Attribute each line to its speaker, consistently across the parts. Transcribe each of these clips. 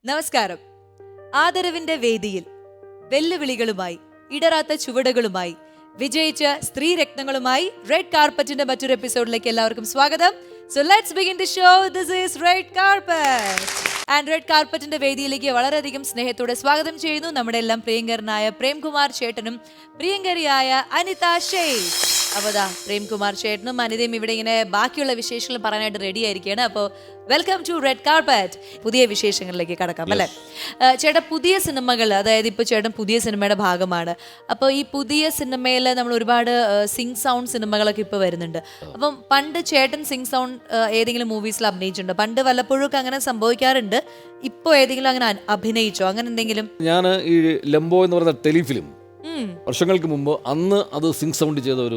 Speaker 1: നമസ്കാരം. ആദരവിന്റെ വേദിയിൽ വെല്ലുവിളികളുമായി ഇടറാത്ത ചുവടുകളുമായി വിജയിച്ച സ്ത്രീ രത്നങ്ങളുമായി റെഡ് കാർപ്പറ്റിന്റെ മറ്റൊരു എപ്പിസോഡിലേക്ക് എല്ലാവർക്കും സ്വാഗതം. So let's begin the show. This is Red Carpet. And Red Carpetന്റെ വേദിയിലേക്ക് വളരെയധികം സ്നേഹത്തോടെ സ്വാഗതം ചെയ്യുന്നു നമ്മുടെ എല്ലാം പ്രിയങ്കരനായ പ്രേംകുമാർ ചേട്ടനും പ്രിയങ്കരിയായ അനിത ഷെയ്ഖ്. അപ്പോൾ പ്രേംകുമാർ ചേട്ടനും അനിതയും ഇവിടെ ഇങ്ങനെ ബാക്കിയുള്ള വിശേഷങ്ങൾ പറയാനായിട്ട് റെഡി ആയിരിക്കുകയാണ്. അപ്പോൾ വെൽക്കം ടു റെഡ് കാർപ്പറ്റ്. പുതിയ വിശേഷങ്ങളിലേക്ക് കടക്കാം അല്ലേ ചേട്ടാ? പുതിയ സിനിമകൾ, അതായത് ഇപ്പോൾ ചേട്ടൻ പുതിയ സിനിമയുടെ ഭാഗമാണ്. അപ്പോൾ ഈ പുതിയ സിനിമയിൽ നമ്മൾ ഒരുപാട് സിംഗ് സൗണ്ട് സിനിമകളൊക്കെ ഇപ്പോൾ വരുന്നുണ്ട്. അപ്പം പണ്ട് ചേട്ടൻ സിംഗ് സൗണ്ട് ഏതെങ്കിലും മൂവീസിൽ അഭിനയിച്ചിട്ടുണ്ടോ? പണ്ട് വല്ലപ്പോഴും അങ്ങനെ സംഭവിക്കാറുണ്ട്. ഇപ്പോൾ ഏതെങ്കിലും അങ്ങനെ അഭിനയിച്ചോ, അങ്ങനെ എന്തെങ്കിലും?
Speaker 2: ഞാൻ ഈ ലംബോ എന്ന് പറയുന്ന ടെലിഫിലിം വർഷങ്ങൾക്ക് മുമ്പ് അന്ന് അത് സിംഗ് സൗണ്ട് ചെയ്ത ഒരു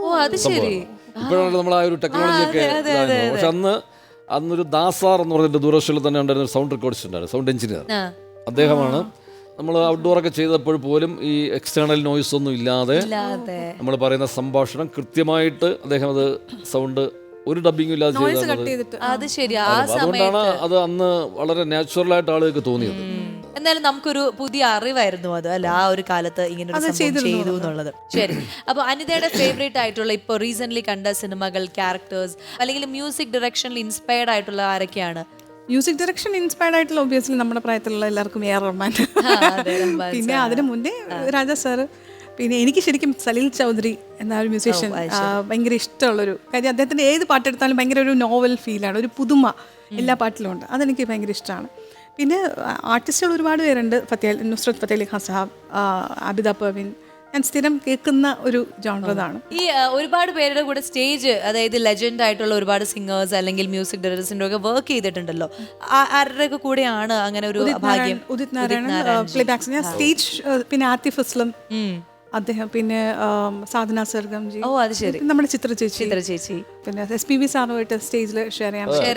Speaker 2: ഇപ്പോഴാണ് നമ്മൾ ആ ഒരു ടെക്നോളജി ഒക്കെ. പക്ഷെ അന്നൊരു ദാസാർ എന്ന് പറഞ്ഞിട്ട് ദൂരദർശനിൽ തന്നെ ഉണ്ടായിരുന്ന സൗണ്ട് റെക്കോർഡിസ്റ്റ് ഉണ്ടായിരുന്നു, സൗണ്ട് എഞ്ചിനീയർ. അദ്ദേഹമാണ് നമ്മൾ ഔട്ട്ഡോർ ഒക്കെ ചെയ്തപ്പോൾ പോലും ഈ എക്സ്റ്റേണൽ നോയ്സ് ഒന്നും ഇല്ലാതെ നമ്മൾ പറയുന്ന സംഭാഷണം കൃത്യമായിട്ട് അദ്ദേഹം അത് സൗണ്ട് ഒരു ഡബിങ്ങും ഇല്ലാതെ ചെയ്തത്. അതുകൊണ്ടാണ് അത് അന്ന് വളരെ നാച്ചുറൽ ആയിട്ട് ആളുകൾക്ക് തോന്നിയത്.
Speaker 1: എന്നാലും നമുക്കൊരു പുതിയ അറിവായിരുന്നു അത്, അല്ല ആ ഒരു കാലത്ത് ഇങ്ങനെ ചെയ്തു എന്നുള്ളത്. ശരി, അപ്പൊ അനിതയുടെ ഫേവറേറ്റ് ആയിട്ടുള്ള ഇപ്പൊ റീസെന്റ് കണ്ട സിനിമകൾ, ക്യാരക്ടേഴ്സ്, അല്ലെങ്കിൽ മ്യൂസിക് ഡയറക്ഷനിൽ ഇൻസ്പയർഡ് ആയിട്ടുള്ള ആരൊക്കെയാണ്?
Speaker 3: മ്യൂസിക് ഡയറക്ഷൻ ഇൻസ്പയർഡ് ആയിട്ടുള്ള ഒബ്വിയസ്ലി നമ്മുടെ പ്രായത്തിലുള്ള എല്ലാവർക്കും എ ആർ റഹ്മാൻ. പിന്നെ അതിന് മുന്നേ രാജാ സാറ്. പിന്നെ എനിക്ക് ശരിക്കും സലീൽ ചൗധരി എന്ന ഒരു മ്യൂസീഷ്യൻ ഭയങ്കര ഇഷ്ടമുള്ളൊരു കാര്യം. അദ്ദേഹത്തിൻ്റെ ഏത് പാട്ടെടുത്താലും ഭയങ്കര ഒരു നോവൽ ഫീലാണ്, ഒരു പുതുമ എല്ലാ പാട്ടിലും ഉണ്ട്. അതെനിക്ക് ഭയങ്കര ഇഷ്ടമാണ്. പിന്നെ ആർട്ടിസ്റ്റുകൾ ഒരുപാട് പേരുണ്ട്. നുസ്രത് ഫത്തേ അലി ഖാൻ സാഹബ്, ആബിദ പർവീൻ. ഞാൻ സ്ഥിരം കേൾക്കുന്ന ഒരു ജോണറാണ്.
Speaker 1: ഈ ഒരുപാട് പേരുടെ കൂടെ സ്റ്റേജ്, അതായത് ലെജൻഡ് ആയിട്ടുള്ള ഒരുപാട് സിംഗേഴ്സ് അല്ലെങ്കിൽ മ്യൂസിക് ഡയറക്ടേഴ്സിന്റെ ഒക്കെ വർക്ക് ചെയ്തിട്ടുണ്ടല്ലോ. ആരുടെ ഒക്കെ കൂടെയാണ് അങ്ങനെ ഒരു ഭാഗ്യം?
Speaker 3: ഉദിത് നാരായണൻ പ്ലേബാക്സ്. ഞാൻ സ്റ്റേജ്, പിന്നെ ആതിഫ് അസ്ലം അദ്ദേഹം, പിന്നെ സാധന സർഗംജി, നമ്മുടെ ചിത്ര ചേച്ചി, പിന്നെ SPB സാറുമായിട്ട് സ്റ്റേജിൽ ഷെയർ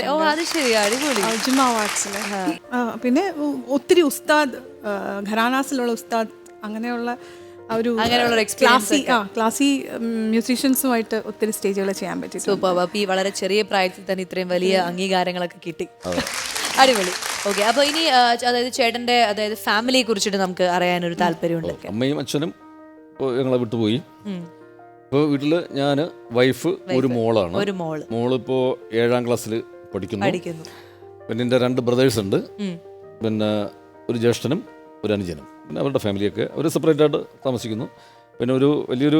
Speaker 3: ചെയ്യാൻ ജിമ്മ അവാർഡ്സിൽ. പിന്നെ ഒത്തിരി ഉസ്താദ്, ഘരാനാസിലുള്ള ഉസ്താദ്, അങ്ങനെയുള്ള ഒരു ക്ലാസി മ്യൂസീഷ്യൻസുമായിട്ട് ഒത്തിരി സ്റ്റേജുകൾ ചെയ്യാൻ പറ്റി.
Speaker 1: സൂപ്പർ. അപ്പോൾ ഈ വളരെ ചെറിയ പ്രായത്തിൽ തന്നെ ഇത്രയും വലിയ അംഗീകാരങ്ങളൊക്കെ കിട്ടി. അടിപൊളി. ഓക്കെ, അപ്പോൾ ഇനി അതായത് ചേട്ടന്റെ അതായത് ഫാമിലിയെ കുറിച്ചിട്ട് നമുക്ക് അറിയാനൊരു താല്പര്യമുണ്ട്.
Speaker 2: അമ്മയും അച്ഛനും ഞങ്ങളെ വിട്ടുപോയി. ഇപ്പോൾ വീട്ടിൽ ഞാൻ, വൈഫ്, ഒരു മോളാണ്. മോളിപ്പോൾ 7ാം ക്ലാസ്സിൽ പഠിക്കുന്നു. പിന്നെ എൻ്റെ 2 ബ്രദേഴ്സ് ഉണ്ട്. പിന്നെ ഒരു ജ്യേഷ്ഠനും ഒരു അനുജനും. പിന്നെ അവരുടെ ഫാമിലിയൊക്കെ അവർ സെപ്പറേറ്റ് ആയിട്ട് താമസിക്കുന്നു. പിന്നെ ഒരു വലിയൊരു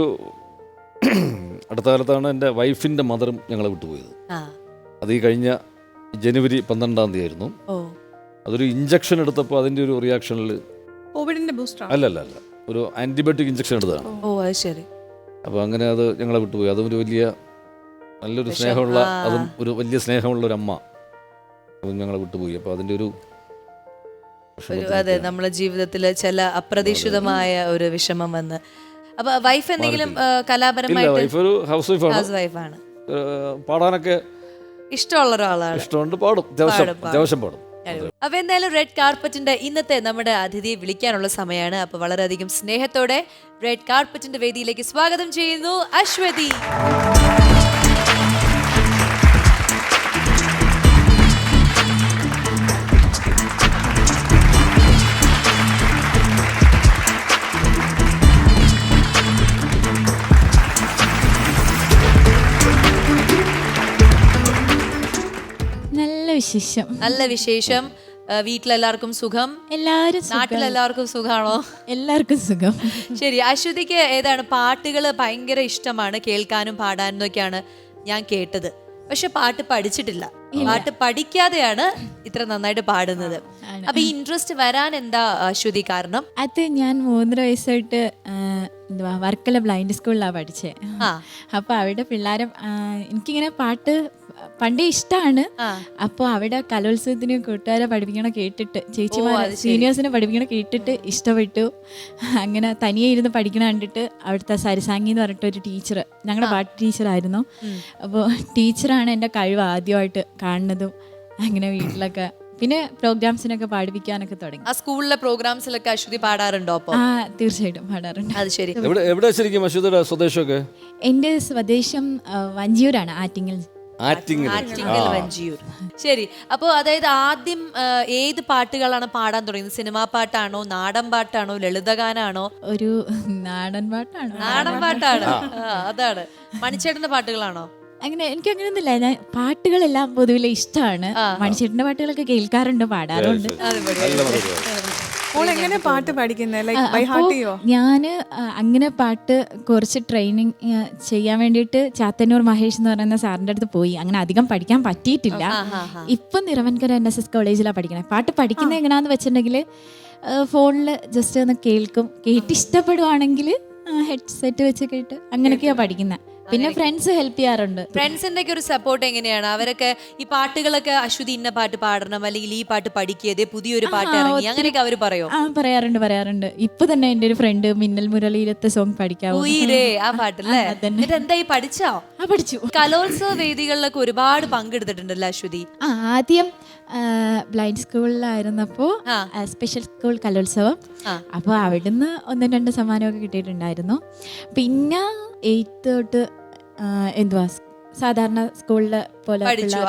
Speaker 2: അടുത്ത കാലത്താണ് എൻ്റെ വൈഫിൻ്റെ മദറും ഞങ്ങളെ വിട്ടുപോയത്. അത് ഈ കഴിഞ്ഞ ജനുവരി 12-ാം തീയതി ആയിരുന്നു. അതൊരു ഇഞ്ചക്ഷൻ എടുത്തപ്പോൾ അതിൻ്റെ ഒരു റിയാക്ഷനിൽ
Speaker 3: കോവിഡിന്റെ ബൂസ്റ്റർ
Speaker 2: അല്ല ഒരു ആന്റിബയോട്ടിക് ഇഞ്ചക്ഷൻ എടുത്തതാണ്. അപ്പോൾ അങ്ങനെ അത് ഞങ്ങളെ വിട്ടുപോയി. അതും ഒരു വലിയ നല്ലൊരു സ്നേഹമുള്ള, അതും ഒരു വലിയ സ്നേഹമുള്ള ഒരു അമ്മ, അതും ഞങ്ങളെ വിട്ടുപോയി. അപ്പോൾ അതിൻ്റെ ഒരു
Speaker 1: അതെ, നമ്മുടെ ജീവിതത്തിൽ ചില അപ്രതീക്ഷിതമായ ഒരു വിഷമം വന്ന്. അപ്പൊ വൈഫ് എന്തെങ്കിലും കലാപരമായിട്ട്?
Speaker 2: വൈഫ് ഒരു ഹൗസ് വൈഫാണ്. പാടാനൊക്കെ
Speaker 1: ഇഷ്ടമുള്ള ഒരാളാണ്.
Speaker 2: ഇഷ്ടമുണ്ട്, പാടും, അത്യാവശ്യം പാടും.
Speaker 1: അപ്പൊ എന്തായാലും റെഡ് കാർപ്പറ്റിന്റെ ഇന്നത്തെ നമ്മുടെ അതിഥിയെ വിളിക്കാനുള്ള സമയമാണ്. അപ്പൊ വളരെയധികം സ്നേഹത്തോടെ റെഡ് കാർപ്പറ്റിന്റെ വേദിയിലേക്ക് സ്വാഗതം ചെയ്യുന്നു അശ്വതി. നല്ല വിശേഷം. വീട്ടിലെല്ലാവർക്കും സുഖം?
Speaker 4: എല്ലാവരും.
Speaker 1: നാട്ടിലെല്ലാവർക്കും സുഖാണോ?
Speaker 4: എല്ലാവർക്കും സുഖം.
Speaker 1: ശരി, അശ്വതിക്ക് ഏതാണ് പാട്ടുകൾ ഭയങ്കര ഇഷ്ടമാണ്, കേൾക്കാനും പാടാനും ഒക്കെയാണ് ഞാൻ കേട്ടത്. പക്ഷെ പാട്ട് പഠിച്ചിട്ടില്ല. പാട്ട് പഠിക്കാതെയാണ് ഇത്ര നന്നായിട്ട് പാടുന്നത്. അപ്പൊ ഈ ഇൻട്രസ്റ്റ് വരാൻ എന്താ അശ്വതി കാരണം?
Speaker 4: അത് ഞാൻ 3 വയസ്സായിട്ട് വർക്കല ബ്ലൈൻഡ് സ്കൂളിലാണ് പഠിച്ചത്. അപ്പോൾ അവിടെ പിള്ളേരും എനിക്കിങ്ങനെ പാട്ട് പണ്ടേ ഇഷ്ടമാണ്. അപ്പോൾ അവിടെ കലോത്സവത്തിന് കൂട്ടുകാരെ പഠിപ്പിക്കണ കേട്ടിട്ട്, ചേച്ചിമാരെ സീനിയേഴ്സിനെ പഠിപ്പിക്കണ കേട്ടിട്ട് ഇഷ്ടപ്പെട്ടു. അങ്ങനെ തനിയെ ഇരുന്ന് പഠിക്കണ കണ്ടിട്ട് അവിടുത്തെ സരിസാംഗി എന്ന് പറഞ്ഞിട്ട് ഒരു ടീച്ചർ, ഞങ്ങളുടെ പാട്ട് ടീച്ചറായിരുന്നു. അപ്പോൾ ടീച്ചറാണ് എൻ്റെ കഴിവ് ആദ്യമായിട്ട് കാണുന്നതും. അങ്ങനെ വീട്ടിലൊക്കെ പിന്നെ പ്രോഗ്രാംസിനൊക്കെ പാടിപ്പിക്കാനൊക്കെ തുടങ്ങി.
Speaker 1: ആ സ്കൂളിലെ പ്രോഗ്രാംസിലൊക്കെ അശ്വതി പാടാറുണ്ടോ?
Speaker 4: തീർച്ചയായിട്ടും പാടാറുണ്ട്.
Speaker 1: അത് ശരി.
Speaker 2: എവിടെ ശരിക്കും അശ്വതിയുടെ സ്വദേശമൊക്കെ?
Speaker 4: എൻ്റെ സ്വദേശം വഞ്ചിയൂരാണ്, ആറ്റിങ്ങൽ.
Speaker 2: ആറ്റിങ്ങൽ
Speaker 1: ആറ്റിങ്ങൽ വഞ്ചിയൂർ. ശരി, അപ്പോൾ അതായത് ആദ്യം ഏത് പാട്ടുകളാണ് പാടാൻ തുടങ്ങിയത്? സിനിമാ പാട്ടാണോ, നാടൻ പാട്ടാണോ, ലളിതഗാനാണോ?
Speaker 4: ഒരു നാടൻ പാട്ടാണ്.
Speaker 1: നാടൻ പാട്ടാണ്. അതാണ്. മണിച്ചേട്ടന്റെ പാട്ടുകളാണോ?
Speaker 4: അങ്ങനെ എനിക്ക് അങ്ങനെയൊന്നുമില്ല. ഞാൻ പാട്ടുകളെല്ലാം പൊതുവിലെ ഇഷ്ടമാണ്. മണിച്ചേട്ടന്റെ പാട്ടുകളൊക്കെ കേൾക്കാറുണ്ട്, പാടാറുണ്ട്.
Speaker 3: എങ്ങനെ പാട്ട് പഠിക്കുന്നത്? ലൈക്ക് ബൈ ഹാർട്ട് ചെയ്യോ?
Speaker 4: ഞാൻ അങ്ങനെ പാട്ട് കുറച്ച് ട്രെയിനിങ് ചെയ്യാൻ വേണ്ടിയിട്ട് ചാത്തന്നൂർ മഹേഷ് എന്ന് പറയുന്ന സാറിൻ്റെ അടുത്ത് പോയി. അങ്ങനെ അധികം പഠിക്കാൻ പറ്റിയിട്ടില്ല. ഇപ്പം നിറവൻകര NSS കോളേജിലാണ് പഠിക്കണേ. പാട്ട് പഠിക്കുന്നത് എങ്ങനെയാന്ന് വെച്ചിട്ടുണ്ടെങ്കിൽ ഫോണിൽ ജസ്റ്റ് ഒന്ന് കേൾക്കും, കേട്ട് ഇഷ്ടപ്പെടുവാണെങ്കിൽ ഹെഡ്സെറ്റ് വെച്ച് കേട്ട് അങ്ങനെയൊക്കെയാണ് പഠിക്കുന്നത്. പിന്നെ ഫ്രണ്ട്സ് ഹെൽപ്പ് ചെയ്യാറുണ്ട്.
Speaker 1: ഫ്രണ്ട്സിന്റെ ഒക്കെ ഒരു സപ്പോർട്ട് എങ്ങനെയാണ്? അവരൊക്കെ ഈ പാട്ടുകളൊക്കെ അശ്വതി ഇന്ന പാട്ട് പാടണം, അല്ലെങ്കിൽ ഈ പാട്ട് പഠിക്കതേ പുതിയൊരു പാട്ട് ഇറങ്ങി, അങ്ങനെയൊക്കെ അവർ പറയോ?
Speaker 4: പറയാറുണ്ട്. ഇപ്പൊ തന്നെ എന്റെ ഒരു ഫ്രണ്ട് മിന്നൽ മുരളിയിലത്തെ സോങ് പഠിക്കാവോ?
Speaker 1: ആ പാട്ടല്ലേ? എന്നിട്ട് എന്തായി, പഠിച്ചോ?
Speaker 4: പഠിച്ചു.
Speaker 1: കലോത്സവ വേദികളിലൊക്കെ ഒരുപാട് പങ്കെടുത്തിട്ടുണ്ടല്ലോ അശ്വതി.
Speaker 4: ആദ്യം ബ്ലൈൻഡ് സ്കൂളിലായിരുന്നപ്പോ സ്പെഷ്യൽ സ്കൂൾ കലോത്സവം, അപ്പോൾ അവിടുന്ന് 1-2 സമ്മാനമൊക്കെ കിട്ടിയിട്ടുണ്ടായിരുന്നു. പിന്നെ 8th തൊട്ട് എന്തുവാ സാധാരണ സ്കൂളില് പോലെ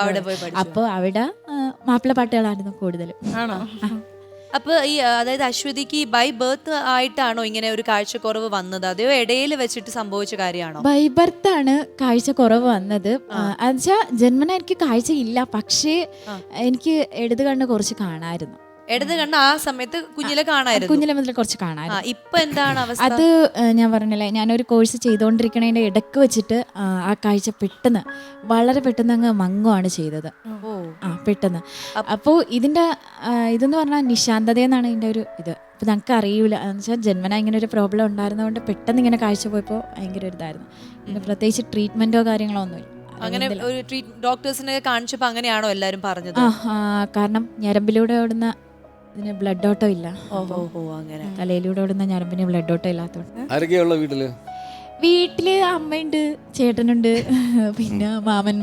Speaker 4: അപ്പോൾ അവിടെ മാപ്പിള പാട്ടുകളായിരുന്നു കൂടുതലും.
Speaker 3: ആണോ?
Speaker 1: അപ്പൊ ഈ അതായത് അശ്വതിക്ക് ബൈ ബർത്ത് ആയിട്ടാണോ ഇങ്ങനെ ഒരു കാഴ്ചക്കുറവ് വന്നത്, അതോ ഇടയിൽ വെച്ചിട്ട് സംഭവിച്ച കാര്യമാണോ?
Speaker 4: ബൈ ബർത്ത് ആണ് കാഴ്ച കുറവ് വന്നത്. എന്നുവെച്ചാൽ ജന്മന എനിക്ക് കാഴ്ച ഇല്ല, പക്ഷേ എനിക്ക് ഇടത് കണ്ണ് കുറച്ച് കാണാമായിരുന്നു.
Speaker 1: ഇടത് കണ്ണ് ആ സമയത്ത് കുഞ്ഞിലെ കാണായിരുന്നു?
Speaker 4: കുഞ്ഞിലെ മുതൽ കുറച്ച് കാണാമായിരുന്നു.
Speaker 1: ഇപ്പൊ എന്താണ് അവസ്ഥ?
Speaker 4: അത് ഞാൻ പറഞ്ഞില്ലേ, ഞാനൊരു കോഴ്സ് ചെയ്തുകൊണ്ടിരിക്കണതിന്റെ ഇടക്ക് വെച്ചിട്ട് ആ കാഴ്ച പെട്ടെന്ന് വളരെ പെട്ടെന്ന് അങ്ങ് മങ്ങുവാണ് ചെയ്തത്. പെട്ടെന്ന്. അപ്പോൾ ഇതിന്റെ ഇതെന്ന് പറഞ്ഞാൽ നിശാന്തത എന്നാണ് ഇതിന്റെ ഒരു ഇത്. ഇപ്പൊ ഞങ്ങൾക്ക് അറിയൂല, എന്ന് വെച്ചാൽ ജന്മന ഇങ്ങനെ ഒരു പ്രോബ്ലം ഉണ്ടായിരുന്നതുകൊണ്ട് പെട്ടെന്ന് ഇങ്ങനെ കാഴ്ച പോയപ്പോൾ ഭയങ്കര ഒരു ഇതായിരുന്നു. പിന്നെ പ്രത്യേകിച്ച് ട്രീറ്റ്മെന്റോ കാര്യങ്ങളോ ഒന്നുമില്ല. അങ്ങനെ
Speaker 1: ഒരു ഡോക്ടേഴ്സിനെ കാണിച്ചപ്പോ അങ്ങനെയാണോ എല്ലാരും പറഞ്ഞത്?
Speaker 4: കാരണം ഞരമ്പിലൂടെ ഓടുന്ന ഇതിന് ബ്ലഡ് ഓട്ടം ഇല്ല.
Speaker 1: അങ്ങനെ
Speaker 4: തലയിലൂടെ ഓടുന്ന ഞരമ്പിന് ബ്ലഡ് ഓട്ടം ഇല്ലാത്തതുകൊണ്ട്.
Speaker 2: ആരൊക്കെയുള്ള വീട്ടില്
Speaker 4: അമ്മയുണ്ട്, ചേട്ടനുണ്ട്, പിന്നെ മാമൻ,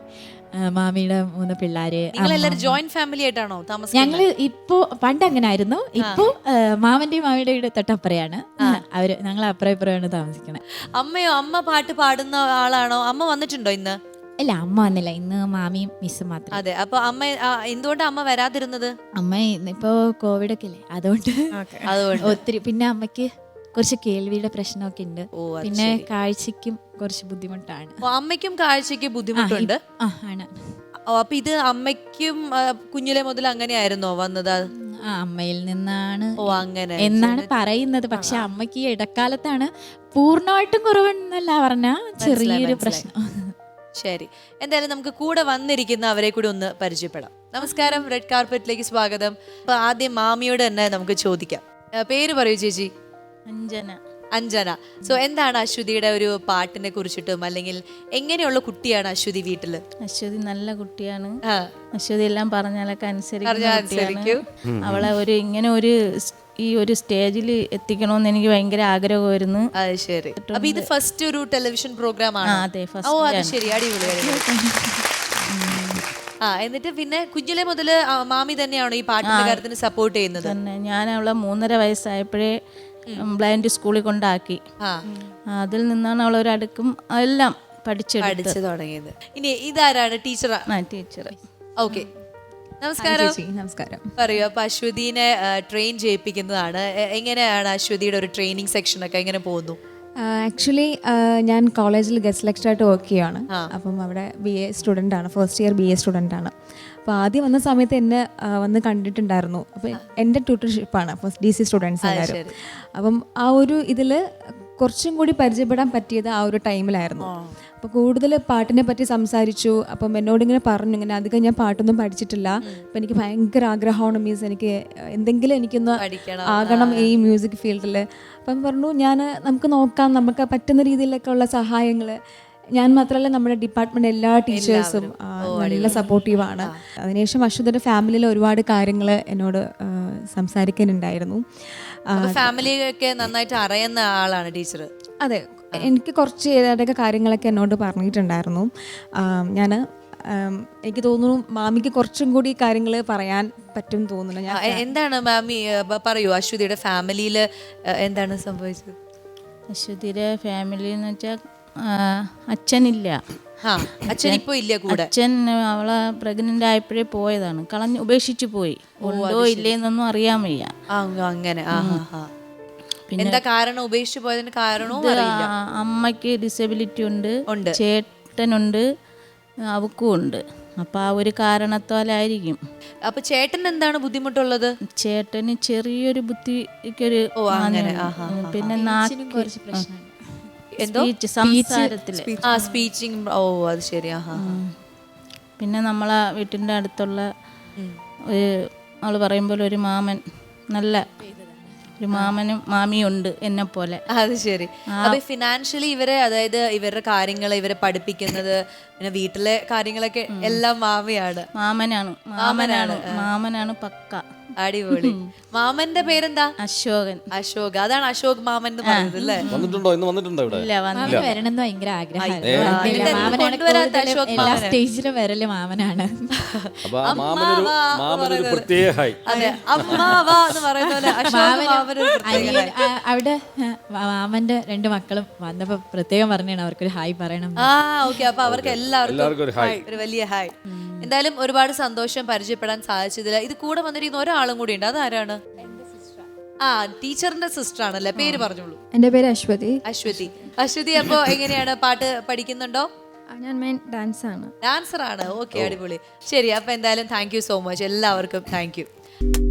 Speaker 4: മാമിയുടെ 3 പിള്ളേര്.
Speaker 1: ജോയിന്റ് ഫാമിലി ആയിട്ടാണോ താമസം?
Speaker 4: ഞങ്ങള് ഇപ്പോ പണ്ട് അങ്ങനെ ആയിരുന്നു. ഇപ്പോ മാമന്റെയും മാമിയുടെ വീട് തൊട്ടപ്പുറയാണ്. അവര് ഞങ്ങൾ അപ്പുറം ഇപ്പുറമാണ് താമസിക്കണേ.
Speaker 1: അമ്മയോ? അമ്മ പാട്ട് പാടുന്ന ആളാണോ? അമ്മ വന്നിട്ടുണ്ടോ ഇന്ന്?
Speaker 4: അല്ല, അമ്മ വന്നില്ല. ഇന്ന് മാമിയും മിസ്സും മാത്രം.
Speaker 1: അതെ. അപ്പൊ അമ്മ എന്തുകൊണ്ടാ അമ്മ വരാതിരുന്നത്?
Speaker 4: അമ്മ ഇപ്പോ കോവിഡ് ഒക്കെ അല്ലേ, അതുകൊണ്ട് ഒത്തിരി. പിന്നെ അമ്മയ്ക്ക് കുറച്ച് കേൾവിയുടെ പ്രശ്നമൊക്കെ ഉണ്ട്. പിന്നെ കാഴ്ചക്കും കുറച്ച് ബുദ്ധിമുട്ടാണ്.
Speaker 1: അമ്മയ്ക്കും കാഴ്ചക്ക് ബുദ്ധിമുട്ടുണ്ട്?
Speaker 4: ആണ്.
Speaker 1: അപ്പൊ ഇത് അമ്മയ്ക്കും കുഞ്ഞിലെ മുതൽ അങ്ങനെയായിരുന്നോ വന്നത്?
Speaker 4: അമ്മയിൽ നിന്നാണ്
Speaker 1: അങ്ങനെ
Speaker 4: എന്നാണ് പറയുന്നത്. പക്ഷെ അമ്മയ്ക്ക് ഇടക്കാലത്താണ് പൂർണ്ണമായിട്ടും കുറവെന്നല്ല പറഞ്ഞ ചെറിയൊരു പ്രശ്നം.
Speaker 1: ശരി, എന്തായാലും നമുക്ക് കൂടെ വന്നിരിക്കുന്ന അവരെ കൂടി ഒന്ന് പരിചയപ്പെടാം. നമസ്കാരം, റെഡ് കാർപ്പറ്റിലേക്ക് സ്വാഗതം. അപ്പൊ ആദ്യം മാമിയോട് തന്നെ നമുക്ക് ചോദിക്കാം. പേര് പറയൂ ചേച്ചി. അഞ്ജന. സോ എന്താണ് അശ്വതിയുടെ ഒരു പാട്ടിനെ കുറിച്ചിട്ടും, അല്ലെങ്കിൽ എങ്ങനെയുള്ള കുട്ടിയാണ് അശ്വതി വീട്ടില്?
Speaker 5: അശ്വതി നല്ല കുട്ടിയാണ്. അശ്വതി എല്ലാം പറഞ്ഞാലൊക്കെ അനുസരിക്കും. അവളെ ഇങ്ങനെ ഈ ഒരു സ്റ്റേജിൽ എത്തിക്കണമെന്ന് എനിക്ക് ഭയങ്കര ആഗ്രഹമായിരുന്നു.
Speaker 1: ശരി. അപ്പൊ ഇത് ഫസ്റ്റ് ഒരു ടെലിവിഷൻ പ്രോഗ്രാം ആണ്?
Speaker 5: അതെ,
Speaker 1: ശരി, അടിപൊളി. എന്നിട്ട് പിന്നെ കുഞ്ഞിലെ മുതല് മാമി തന്നെയാണോ ഈ പാട്ടിന്റെ കാര്യത്തിന് സപ്പോർട്ട് ചെയ്യുന്നത്?
Speaker 5: തന്നെ. ഞാൻ അവളെ 3.5 വയസ്സായപ്പോഴേ ബ്ലൈൻഡ് സ്കൂളിൽ കൊണ്ടാക്കി. അതിൽ നിന്നാണ് അവൾ ഒരടുക്കും എല്ലാം പഠിച്ചു
Speaker 1: തുടങ്ങിയത്. ഇനി ഇതാരാണ്? ടീച്ചർ. ഓക്കെ, നമസ്കാരം. പറയൂ. അപ്പൊ അശ്വതിനെ ട്രെയിൻ ചെയ്യിപ്പിക്കുന്നതാണ്. എങ്ങനെയാണ് അശ്വതിയുടെ ഒരു ട്രെയിനിങ് സെക്ഷൻ ഒക്കെ എങ്ങനെ പോകുന്നു?
Speaker 6: ആക്ച്വലി ഞാൻ കോളേജിൽ ഗസ്റ്റ് ലെക്ചറായിട്ട് വർക്ക് ചെയ്യുകയാണ്. അപ്പം അവിടെ BA സ്റ്റുഡൻ്റ് ആണ്, ഫസ്റ്റ് ഇയർ BA സ്റ്റുഡൻ്റ് ആണ്. അപ്പോൾ ആദ്യം വന്ന സമയത്ത് എന്നെ വന്ന് കണ്ടിട്ടുണ്ടായിരുന്നു. അപ്പോൾ എൻ്റെ ട്യൂട്ടർഷിപ്പാണ്, അപ്പോൾ DC സ്റ്റുഡൻസ് എല്ലാവരും. അപ്പം ആ ഒരു ഇതിൽ കുറച്ചും കൂടി പരിചയപ്പെടാൻ പറ്റിയത് ആ ഒരു ടൈമിലായിരുന്നു. അപ്പോൾ കൂടുതൽ പാട്ടിനെ പറ്റി സംസാരിച്ചു. അപ്പം എന്നോടിങ്ങനെ പറഞ്ഞു, ഇങ്ങനെ അധികം ഞാൻ പാട്ടൊന്നും പഠിച്ചിട്ടില്ല, അപ്പം എനിക്ക് ഭയങ്കര ആഗ്രഹമാണ്, മീൻസ് എനിക്ക് എന്തെങ്കിലും എനിക്കൊന്ന് ആകണം ഈ മ്യൂസിക് ഫീൽഡിൽ. അപ്പം പറഞ്ഞു, നമുക്ക് നോക്കാം, നമുക്ക് പറ്റുന്ന രീതിയിലൊക്കെ ഉള്ള സഹായങ്ങൾ. ഞാൻ മാത്രമല്ല, നമ്മുടെ ഡിപ്പാർട്ട്മെന്റ് എല്ലാ ടീച്ചേഴ്സും നല്ല സപ്പോർട്ടീവാണ്. അതിനുശേഷം അശ്വതിയുടെ ഫാമിലിയിലെ ഒരുപാട് കാര്യങ്ങൾ എന്നോട് സംസാരിക്കാനുണ്ടായിരുന്നു.
Speaker 1: ഫാമിലിയൊക്കെ നന്നായിട്ട് അറിയുന്ന ആളാണ് ടീച്ചർ?
Speaker 6: അതെ, എനിക്ക് കുറച്ച് ഏതൊക്കെ കാര്യങ്ങളൊക്കെ എന്നോട് പറഞ്ഞിട്ടുണ്ടായിരുന്നു. എനിക്ക് തോന്നുന്നു മാമിക്ക് കുറച്ചും കൂടി കാര്യങ്ങൾ പറയാൻ പറ്റും തോന്നുന്നു.
Speaker 1: എന്താണ് മാമി പറയൂ, അശ്വതിയുടെ ഫാമിലിയിൽ എന്താണ് സംഭവിച്ചത്?
Speaker 5: അശ്വതിയുടെ ഫാമിലി എന്ന് വെച്ചാൽ അച്ഛനില്ല.
Speaker 1: ആ അച്ഛൻ ഇപ്പൊ ഇല്ല കൂടെ.
Speaker 5: അച്ഛൻ അവളെ പ്രഗ്നന്റ് ആയപ്പോഴേ പോയതാണ്, ഉപേക്ഷിച്ചു പോയി. ഉണ്ടോ ഇല്ലേന്നൊന്നും അറിയാൻ വയ്യ.
Speaker 1: അങ്ങനെ എന്താ കാരണം ഉപേക്ഷിച്ചു പോയതിന് കാരണവും അറിയില്ല.
Speaker 5: അമ്മയ്ക്ക് ഡിസബിലിറ്റി ഉണ്ട്, ചേട്ടനുണ്ട്, അവക്കും ഉണ്ട്. അപ്പൊ ആ ഒരു കാരണത്താലായിരിക്കും.
Speaker 1: അപ്പൊ ചേട്ടൻ എന്താണ് ബുദ്ധിമുട്ടുള്ളത്?
Speaker 5: ചേട്ടന് ചെറിയൊരു ബുദ്ധിക്കൊരു പിന്നെ സംസാരത്തില്
Speaker 1: സ്പീച്ചിങ്. ഓ അത് ശരി.
Speaker 5: പിന്നെ നമ്മളെ വീട്ടിന്റെ അടുത്തുള്ള ഒരു ആള് പറയുമ്പോൾ ഒരു മാമൻ, നല്ല ഒരു മാമനും മാമിയും ഉണ്ട് എന്നെ പോലെ.
Speaker 1: അത് ശരി. അപ്പൊ ഫിനാൻഷ്യലി ഇവരെ, അതായത് ഇവരുടെ കാര്യങ്ങൾ ഇവരെ പഠിപ്പിക്കുന്നത്, പിന്നെ വീട്ടിലെ കാര്യങ്ങളൊക്കെ എല്ലാം
Speaker 5: മാമനാണ് പക്ക.
Speaker 1: അടിപൊളി. മാമന്റെ പേരെന്താ?
Speaker 5: അശോകൻ.
Speaker 1: അശോക്. അതാണ് അശോക് മാമൻ എന്ന് പറയുന്നത് അല്ലേ?
Speaker 2: വന്നിട്ടുണ്ടോ? ഇന്ന് വന്നിട്ടുണ്ടോ ഇവിടെ?
Speaker 5: ഇല്ല,
Speaker 4: വരണമെന്ന് ഭയങ്കര ആഗ്രഹമായിരുന്നു.
Speaker 1: എല്ലാ
Speaker 4: സ്റ്റേജിലും വരല് മാമനാണ്.
Speaker 2: അപ്പൊ ആ മാമനൊരു പ്രത്യേക ഹായ്.
Speaker 1: അതെ, അമ്മാവാ എന്ന് പറയുന്ന പോലെ അശോക് മാമന് ഒരു പ്രത്യേക ഹായ്.
Speaker 4: അവിടെ മാമന്റെ 2 മക്കളും വന്നപ്പോ പ്രത്യേകം പറഞ്ഞാണ് അവർക്കൊരു ഹായ് പറയണം.
Speaker 1: ഓക്കെ. അപ്പൊ അവർക്ക് എല്ലാവർക്കും ഒരു വലിയ ഹായ്. എന്തായാലും ഒരുപാട് സന്തോഷം പരിചയപ്പെടാൻ സാധിച്ചതില്ല. ഇത് കൂടെ വന്നിരിക്കുന്ന ഒരാളും കൂടി ഉണ്ട്. അതാരാണ്? ടീച്ചറിന്റെ സിസ്റ്റർ ആണല്ലേ? പേര് പറഞ്ഞോളൂ.
Speaker 7: എൻ്റെ പേര് അശ്വതി.
Speaker 1: അശ്വതി, അപ്പൊ എങ്ങനെയാണ്, പാട്ട് പഠിക്കുന്നുണ്ടോ?
Speaker 7: ഞാൻ മെയിൻ ഡാൻസ് ആണ്.
Speaker 1: ഡാൻസർ ആണ്. ഓക്കെ, അടിപൊളി. ശരി, അപ്പൊ എന്തായാലും താങ്ക് യു സോ മച്ച് എല്ലാവർക്കും. Thank U.